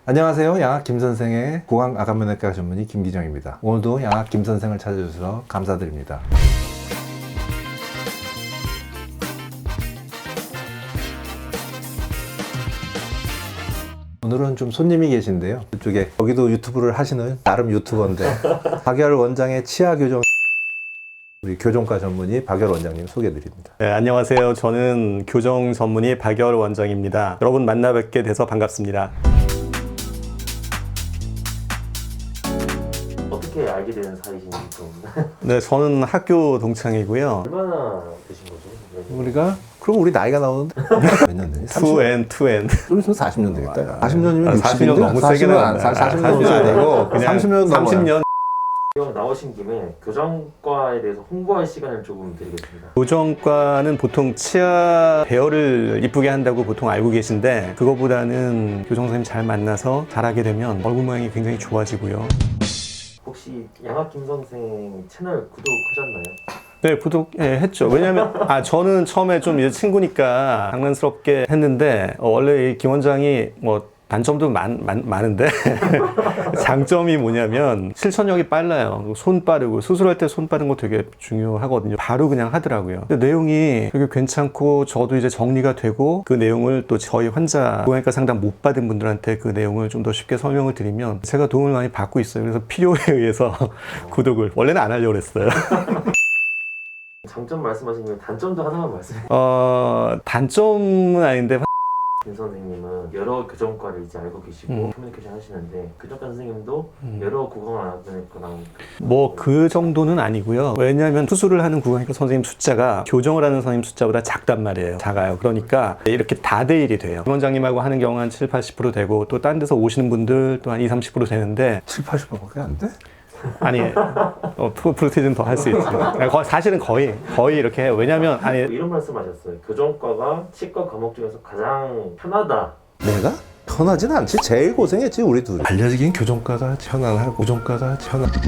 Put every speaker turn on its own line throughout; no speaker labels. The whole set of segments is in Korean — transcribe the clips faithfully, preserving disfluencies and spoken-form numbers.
안녕하세요. 양악 김선생의 구강 아간면외과 전문의 김기정입니다. 오늘도 양악 김선생을 찾아주셔서 감사드립니다. 오늘은 좀 손님이 계신데요. 이쪽에 여기도 유튜브를 하시는 나름 유튜버인데 박열 원장의 치아 교정, 우리 교정과 전문의 박열 원장님 소개해드립니다.
네, 안녕하세요. 저는 교정 전문의 박열 원장입니다. 여러분 만나 뵙게 돼서 반갑습니다.
어떻게 알게 되는 사이신지 좀.
네, 저는 학교 동창이고요.
얼마나 되신 거죠?
우리가 그럼 우리 나이가 나오는데 몇 년 되니?
투 엔, 투 엔.
좀 있으면 사십 년 되겠다. 사십 년이면
사십 년 너무 세게 나왔네.
사십 년이 아니고
그냥
삼십 년
삼십 년.
형 나오신 김에 교정과에 대해서 홍보할 시간을 조금 드리겠습니다.
교정과는 보통 치아 배열을 이쁘게 한다고 보통 알고 계신데, 그거보다는 교정 선생님 잘 만나서 잘하게 되면 얼굴 모양이 굉장히 좋아지고요.
혹시 양학 김 선생 채널 구독하셨나요?
네, 구독 예, 했죠. 왜냐면 아 저는 처음에 좀 이제 친구니까 장난스럽게 했는데, 어, 원래 이 김 원장이 뭐 단점도 많, 많, 많은데 장점이 뭐냐면 실천력이 빨라요. 손 빠르고, 수술할 때 손 빠른 거 되게 중요하거든요. 바로 그냥 하더라고요. 근데 내용이 되게 괜찮고, 저도 이제 정리가 되고, 그 내용을 또 저희 환자 고양이과 상담 못 받은 분들한테 그 내용을 좀 더 쉽게 설명을 드리면 제가 도움을 많이 받고 있어요. 그래서 필요에 의해서 구독을 원래는 안 하려고 그랬어요.
장점 말씀하신 김에 단점도 하나만 말씀해.
어, 단점은 아닌데
김 선생님은 여러 교정과를 이제 알고 계시고
음.
커뮤니케이션 하시는데, 교정과 선생님도
음.
여러 구강학과랑
뭐 그 정도는 아니고요. 왜냐하면 수술을 하는 구강의과 선생님 숫자가 교정을 하는 선생님 숫자보다 작단 말이에요. 작아요. 그러니까 이렇게 다대일이 돼요. 김 원장님하고 하는 경우는 한 칠, 팔십 퍼센트 되고, 또 딴 데서 오시는 분들 또 한 이십, 삼십 퍼센트 되는데,
칠, 팔십 퍼센트밖에 안 돼?
아니 어, 프로테이즈는 더 할 수 있죠. 사실은 거의 거의 이렇게 해요. 왜냐면 아니
이런 말씀하셨어요. 교정과가 치과 과목 중에서 가장 편하다.
내가? 편하진 않지. 제일 고생했지 우리 둘이. 알려지긴 교정과가 편안하고 교정과가 편안하고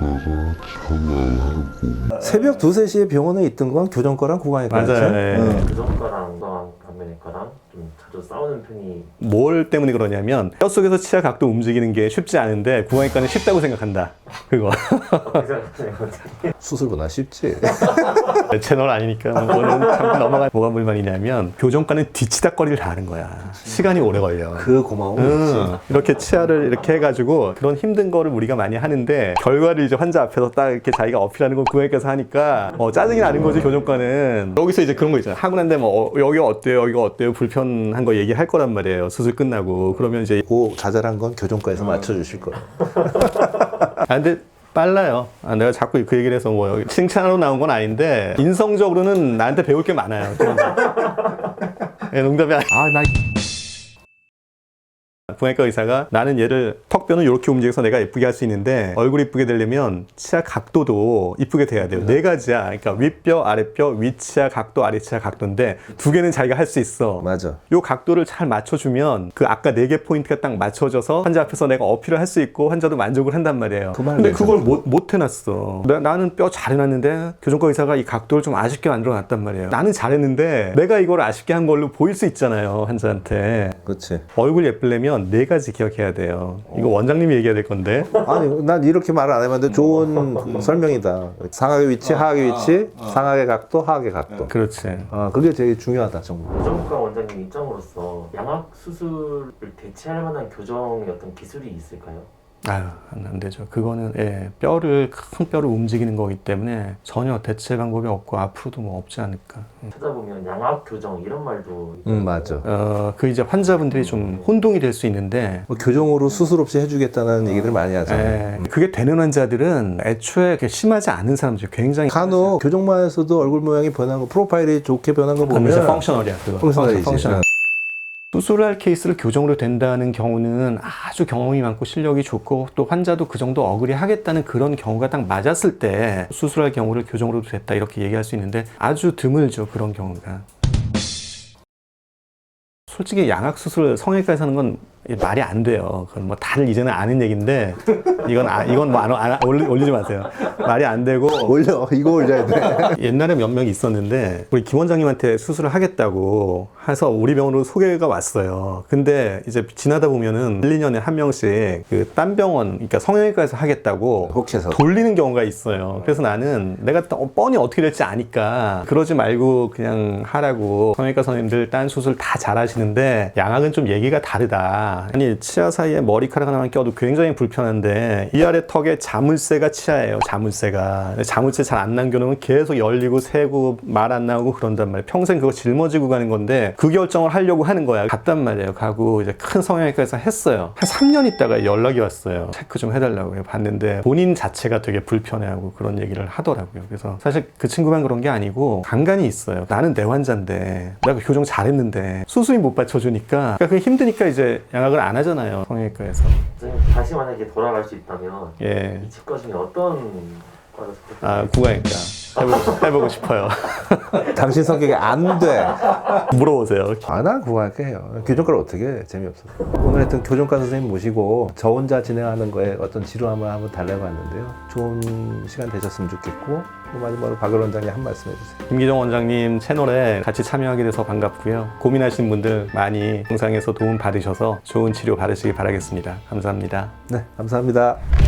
새벽 두세 시에 병원에 있던 건 교정과랑 구강의과였죠.
맞아요. 네.
응.
교정과랑 구강안면외과랑 좀 자주 싸우는 편이.
뭘 때문에 그러냐면 뼛속에서 치아 각도 움직이는 게 쉽지 않은데 구강의과는 쉽다고 생각한다. 그거.
어떻게 생각하세요?
수술보다 쉽지.
내 채널 아니니까 그거는 참 넘어가. 뭐가 불만이냐면 교정과는 뒤치다거리를 다 하는 거야. 시간이 오래 걸려.
그 고마움이 있지.
응. 이렇게 치아를 이렇게 해가지고 그런 힘든 거를 우리가 많이 하는데, 결과를 이제 환자 앞에서 딱 이렇게 자기가 어필하는 걸 구강의과에서 하니까 어, 짜증이 나는 거지. 교정과는 여기서 이제 그런 거 있잖아. 하고 난 다음에 뭐 어, 여기가 어때요, 여기가 어때요, 불편한 거 얘기할 거란 말이에요. 수술 끝나고. 그러면 이제
그 자잘한 건 교정과에서 맞춰주실 거야.
아 근데 빨라요. 아, 내가 자꾸 그 얘기를 해서 뭐 여기 칭찬으로 나온 건 아닌데, 인성적으로는 나한테 배울 게 많아요. 네, 농담이 아니. 아, 나 구강의과 의사가 나는 얘를 턱뼈는 이렇게 움직여서 내가 예쁘게 할 수 있는데, 얼굴 이쁘게 되려면 치아 각도도 이쁘게 돼야 돼요. 네 가지야. 그러니까 윗뼈, 아랫뼈, 위치아 각도, 아래치아 각도인데 두 개는 자기가 할 수 있어.
맞아.
요 각도를 잘 맞춰주면 그 아까 네 개 포인트가 딱 맞춰져서 환자 앞에서 내가 어필을 할 수 있고 환자도 만족을 한단 말이에요.
그 말
근데
괜찮아.
그걸 못, 못 해놨어. 나, 나는 뼈 잘 해놨는데 교정과 의사가 이 각도를 좀 아쉽게 만들어놨단 말이에요. 나는 잘했는데 내가 이걸 아쉽게 한 걸로 보일 수 있잖아요, 환자한테.
그렇지.
얼굴 예쁘려면 네 가지 기억해야 돼요. 이거 원장님이 얘기해야 될 건데.
아니 난 이렇게 말을 안 해봤는데 좋은 설명이다. 상악의 위치, 하악의 위치, 상악의 각도, 하악의 각도.
그렇지.
아 그게 되게 중요하다 정말.
교정과 원장님 입장으로서 양악 수술을 대체할 만한 교정의 어떤 기술이 있을까요?
아유, 안, 안 되죠. 그거는, 예, 뼈를, 큰 뼈를 움직이는 거기 때문에 전혀 대체 방법이 없고 앞으로도 뭐 없지 않을까.
찾아보면 양악 교정 이런 말도.
응 맞아.
어, 그 이제 환자분들이 좀 혼동이 될 수 있는데,
뭐 교정으로 수술 없이 해주겠다는 얘기들 많이 하잖아요.
예, 그게 되는 환자들은 애초에 그렇게 심하지 않은 사람들 굉장히
간혹 교정만에서도 얼굴 모양이 변한 거, 프로파일이 좋게 변한 거
보면
보면
펑셔널이야. 그거.
펑셔널이지.
펑셔널. 수술할 케이스를 교정으로 된다는 경우는 아주 경험이 많고 실력이 좋고, 또 환자도 그 정도 어그리 하겠다는 그런 경우가 딱 맞았을 때 수술할 경우를 교정으로도 됐다 이렇게 얘기할 수 있는데, 아주 드물죠, 그런 경우가. 솔직히 양악 수술 성형외과에서 하는 건 이게 말이 안 돼요. 그건 뭐 다들 이제는 아는 얘기인데 이건 아, 이건 뭐 안, 안, 올리, 올리지 마세요. 말이 안 되고
올려. 이거 올려야 돼.
옛날에 몇 명이 있었는데 우리 김 원장님한테 수술을 하겠다고 해서 우리 병원으로 소개가 왔어요. 근데 이제 지나다 보면은 일, 이 년에 한 명씩 그 딴 병원, 그러니까 성형외과에서 하겠다고
혹시서.
돌리는 경우가 있어요. 그래서 나는 내가 또 뻔히 어떻게 될지 아니까 그러지 말고 그냥 하라고. 성형외과 선생님들 딴 수술 다 잘하시는데 양악은 좀 얘기가 다르다. 아니 치아 사이에 머리카락 하나만 껴도 굉장히 불편한데 이 아래 턱에 자물쇠가 치아예요. 자물쇠가. 자물쇠 잘 안 남겨놓으면 계속 열리고 새고 말 안 나오고 그런단 말이에요. 평생 그거 짊어지고 가는 건데 그 결정을 하려고 하는 거야. 갔단 말이에요. 가고 이제 큰 성형외과에서 했어요. 한 삼 년 있다가 연락이 왔어요. 체크 좀 해달라고 봤는데 본인 자체가 되게 불편해하고 그런 얘기를 하더라고요. 그래서 사실 그 친구만 그런 게 아니고 간간이 있어요. 나는 내 환자인데 내가 교정 잘했는데 수술이 못 받쳐주니까 그러니까 그게 힘드니까 이제 양악을 안 하잖아요. 성형외과에서.
선생님 다시 만약에 돌아갈 수 있다면
예.
이 치과 중에 어떤 과를 선택할까요?
아, 구강외과. 해보고, 해보고 싶어요.
당신 성격이 안 돼.
물어보세요.
아, 난 구할게 해요. 교정과를 어떻게 해? 재미없어. 오늘 하여튼 교정과 선생님 모시고 저 혼자 진행하는 거에 어떤 지루함을 한번 달래봤는데요. 좋은 시간 되셨으면 좋겠고, 또 마지막으로 박열 원장님 한 말씀 해주세요.
김기정 원장님 채널에 같이 참여하게 돼서 반갑고요. 고민하시는 분들 많이 영상에서 도움 받으셔서 좋은 치료 받으시기 바라겠습니다. 감사합니다.
네, 감사합니다.